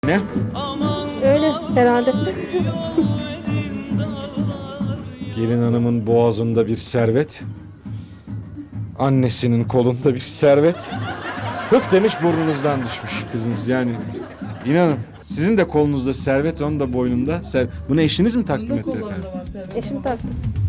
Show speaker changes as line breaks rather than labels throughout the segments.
Ne?
Öyle herhalde.
Gelin hanımın boğazında bir servet. Annesinin kolunda bir servet. Hık demiş burnunuzdan düşmüş kızınız yani. İnanın sizin de kolunuzda servet, onun da boynunda. Bunu eşiniz mi takdim etti efendim?
Eşim taktı.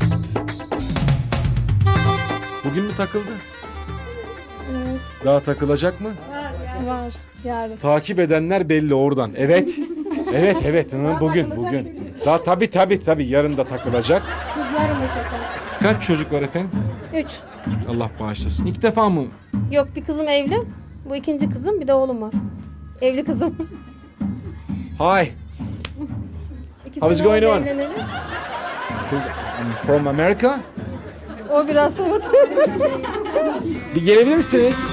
Bugün mü takıldı?
Evet.
Daha takılacak mı?
Var. Yarın.
Takip edenler belli oradan. Evet. Evet. Hı, bugün. Daha tabii yarın da takılacak.
Kız yarın da çeker.
Kaç çocuk var efendim?
3.
Allah bağışlasın. İlk defa mı?
Yok, bir kızım evli. Bu ikinci kızım, bir de oğlum var. Evli kızım.
Hi.
İki
How's
sene
going
oldu
on?
evleneli.
Kız I'm from America.
O biraz soğudu.
Bir gelebilir misiniz?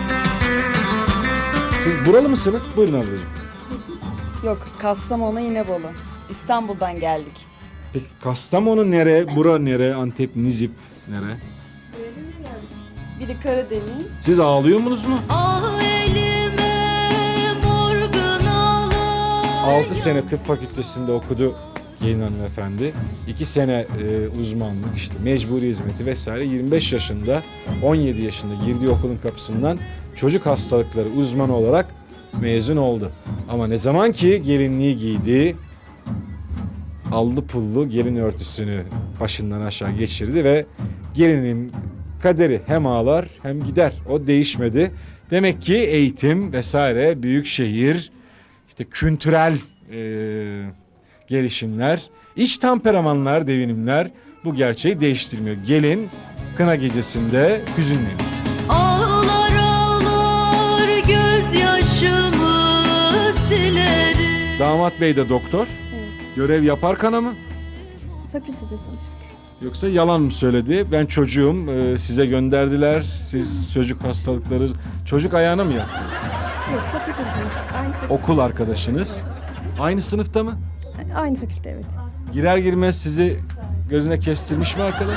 Siz buralı mısınız? Buyurun ablacığım.
Yok, Kastamonu İnebolu. İstanbul'dan geldik.
Peki Kastamonu nere? Bura nere? Antep, Nizip nere?
Biri Karadeniz.
Siz ağlıyor musunuz mu?
Ah elime morgun ağlar.
6 sene tıp fakültesinde okudu gelin hanımefendi. 2 sene uzmanlık, işte mecburi hizmeti vesaire. 25 yaşında, 17 yaşında girdiği okulun kapısından çocuk hastalıkları uzmanı olarak mezun oldu. Ama ne zaman ki gelinliği giydi, allı pullu gelin örtüsünü başından aşağı geçirdi ve gelinin kaderi hem ağlar hem gider. O değişmedi. Demek ki eğitim vesaire, büyük şehir, işte kültürel gelişimler, iç temperamanlar, devinimler bu gerçeği değiştirmiyor. Gelin kına gecesinde hüzünleniyor.
Ağlar ağlar gözyaşımı silerim.
Damat bey de doktor.
Evet.
Görev yaparken mı?
Fakültede tanıştık.
Yoksa yalan mı söyledi? Ben çocuğum, size gönderdiler. Siz çocuk hastalıkları, çocuk ayağına mı yattı?
Yok, fakültede tanıştık. Aynı fakülte.
Okul arkadaşınız. Aynı sınıfta mı?
Aynı fakülte, evet.
Girer girmez sizi gözüne kestirmiş mi arkadaş?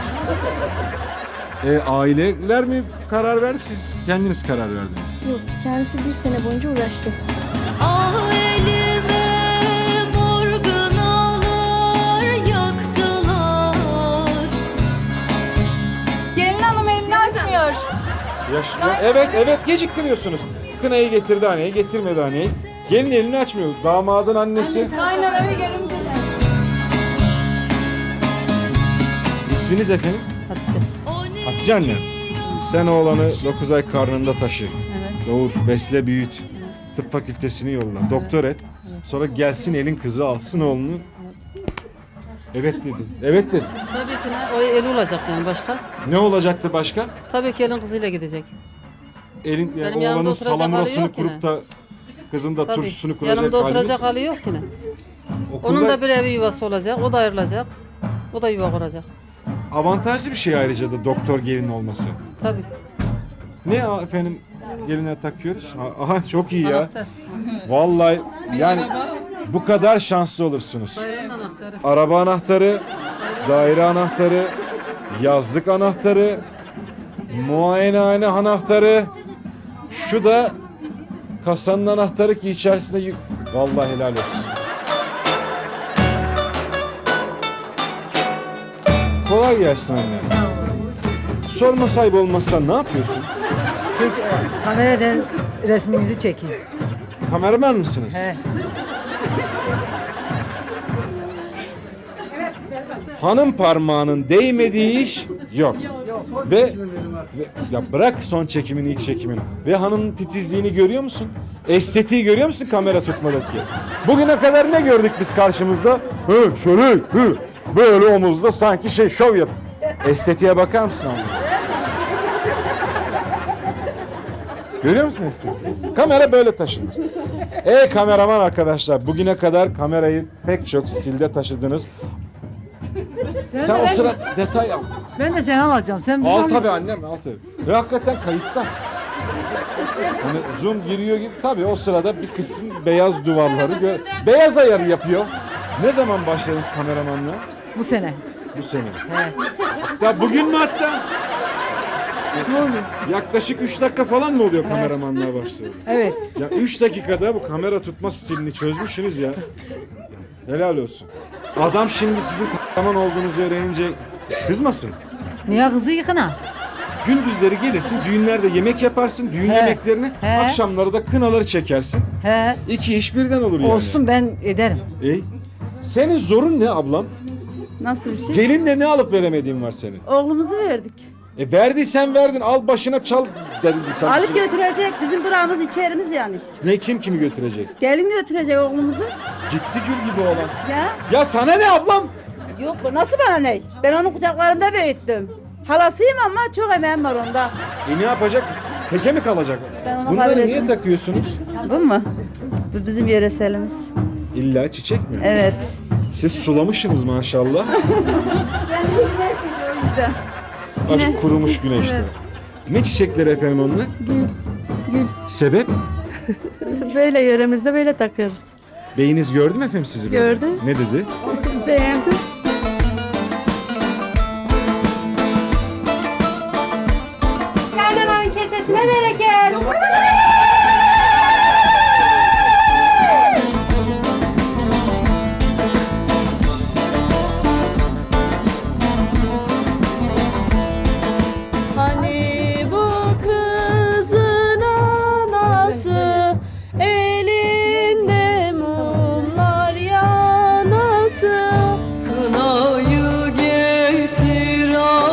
Aileler mi karar verdi, siz kendiniz karar verdiniz?
Yok, kendisi bir sene boyunca uğraştı.
Ah elime morgun ağlar yaktılar.
Gelin hanım elini açmıyor.
Evet geciktiriyorsunuz. Kınayı getirdi haneyi, getirmedi haneyi. Gelin elini açmıyor. Damadın annesi.
Kaynana ve görümceler.
İsminiz efendim?
Hatice.
Hatice anne. Sen oğlanı 9 ay karnında taşı.
Evet.
Doğur, besle, büyüt. Tıp fakültesini yolla. Doktor et. Sonra gelsin elin kızı alsın oğlunu. Evet dedi. Evet dedi.
Tabii ki ne? O eli olacak yani başka.
Ne olacaktı başka?
Tabii ki elin kızıyla gidecek.
Elin yani
Benim yanımda
oğlanın
oturacak hali
salamurasını
yok yine.
kurup da kızın da
Tabii.
turşusunu kuracak
Yanımda
hali
oturacak
yok.
hali yok ki ne?
Okulda
Onun da bir evi yuvası olacak. O da ayrılacak. O da yuva kuracak.
avantajlı bir şey ayrıca da doktor gelin olması.
Tabii.
Ne efendim geline takıyoruz? Aha çok iyi ya.
Anahtar.
Vallahi yani bu kadar şanslı olursunuz.
Dairenin anahtarı.
Araba anahtarı, daire anahtarı, yazlık anahtarı, muayenehane anahtarı. Şu da kasanın anahtarı ki içerisinde vallahi helal olsun. Kolay gelsin anne. Sorma sahibi olmazsan ne yapıyorsun?
Kameradan resminizi çekeyim.
Kameraman mısınız?
He.
Hanım parmağının değmediği iş yok. Ve ya bırak son çekimin, ilk çekimin. Ve hanımın titizliğini görüyor musun? Estetiği görüyor musun kamera tutmadaki? Bugüne kadar ne gördük biz karşımızda? Şöyle böyle omuzda sanki şov yap. Estetiğe bakar mısın abi? Görüyor musun estetiği? Kamera böyle taşınır. Kameraman arkadaşlar, bugüne kadar kamerayı pek çok stilde taşıdınız. Sen o sıra detay al.
Ben de seni alacağım. Sen bizi
Al
alırsın.
tabii annem, al tabii. Ve hakikaten kayıtta. Hani zoom giriyor gibi. Tabii o sırada bir kısım beyaz duvarları beyaz ayarı yapıyor. Ne zaman başladınız kameramanla?
Bu sene.
Bu sene.
He.
Ya bugün mü hatta?
Ne oluyor?
Yaklaşık 3 dakika falan mı oluyor kameramanlığa başladı?
Evet.
Ya 3 dakikada bu kamera tutma stilini çözmüşsünüz ya. Helal olsun. Adam şimdi sizin kahraman olduğunuzu öğrenince kızmasın.
Niye kızı yıkına?
Gündüzleri gelirsin, düğünlerde yemek yaparsın, düğün yemeklerini,
He.
akşamları da kınaları çekersin.
He.
İki iş birden olur yani.
Olsun ben ederim.
Senin zorun ne ablam?
Nasıl bir şey?
Gelinle ne alıp veremediğin var senin?
Oğlumuzu verdik.
Verdiysen verdin, al başına çal dedim.
Alıp götürecek bizim buramız içerimiz yani.
Ne, kim kimi götürecek?
Gelin götürecek oğlumuzu.
Gitti gül gibi olan.
Ya
Ya sana ne ablam?
yok nasıl bana ne? Ben onu kucaklarında büyüttüm. Halasıyım ama çok emeğim var onda.
Ne yapacak? Teke mi kalacak?
Ben ona
Bunları
kabul
niye
etmem.
takıyorsunuz?
Bu mu? Bu bizim yöreselimiz.
İlla çiçek mi?
Evet.
Siz sulamışsınız maşallah.
Ben de güneşim o yüzden.
Açık kurumuş güneşte. Ne çiçekleri efendim onlar?
Gül.
Sebep?
Böyle yöremizde böyle takıyoruz.
Beyiniz gördü mü efendim sizi? böyle?
Gördü.
Ne dedi?
Beğendim. Kaynananın kesesine bereket. Hani bu kızın anası elinde mumlar yanası.
Kınayı getir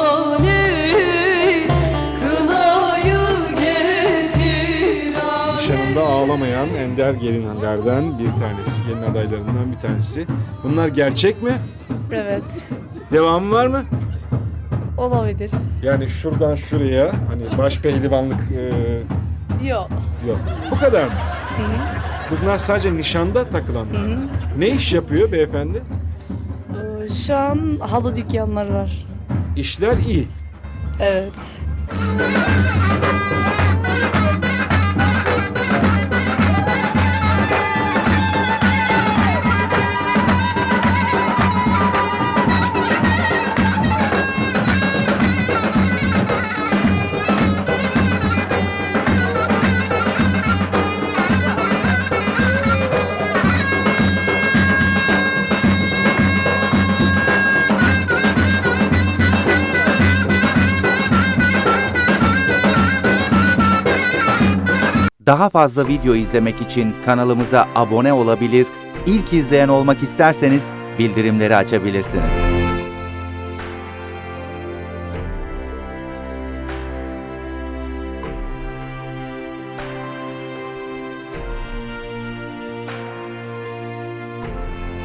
aney, kınayı getir aney.
Nişanında ağlamayan ender gelinlerden bir tanesi, gelin adaylarından bir tanesi. Bunlar gerçek mi?
Evet.
Devamı var mı?
Olabilir.
Yani şuradan şuraya hani baş pehlivanlık
Yok.
yok. Bu kadar mı? Bunlar sadece nişanda takılan. Ne iş yapıyor beyefendi?
Şu an halı dükkanları var.
İşler iyi.
Evet.
Daha fazla video izlemek için kanalımıza abone olabilir, ilk izleyen olmak isterseniz bildirimleri açabilirsiniz.